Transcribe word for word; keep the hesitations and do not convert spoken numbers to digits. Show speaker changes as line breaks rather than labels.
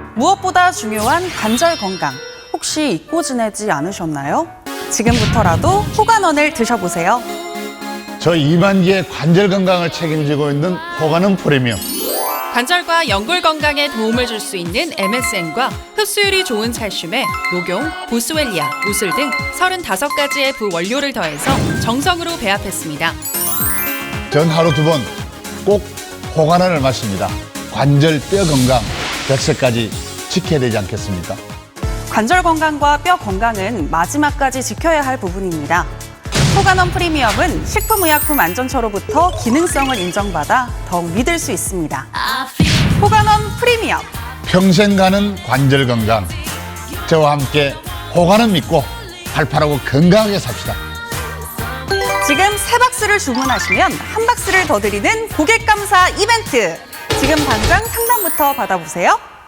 무엇보다 중요한 관절 건강, 혹시 잊고 지내지 않으셨나요? 지금부터라도 호간원을 드셔보세요.
저 이만기의 관절 건강을 책임지고 있는 호간원 프리미엄.
관절과 연골 건강에 도움을 줄 수 있는 엠에스엠과 흡수율이 좋은 칼슘에 녹용, 보스웰리아, 우슬 등 서른다섯 가지의 부원료를 더해서 정성으로 배합했습니다.
전 하루 두 번 꼭 호간원을 마십니다. 관절, 뼈 건강, 백세까지 지켜야 되지 않겠습니까?
관절 건강과 뼈 건강은 마지막까지 지켜야 할 부분입니다. 호간원 프리미엄은 식품의약품 안전처로부터 기능성을 인정받아 더욱 믿을 수 있습니다. 호간원 프리미엄.
평생 가는 관절 건강. 저와 함께 호간원 믿고 팔팔하고 건강하게 삽시다.
지금 세 박스를 주문하시면 한 박스를 더 드리는 고객 감사 이벤트. 지금 당장 상담부터 받아보세요.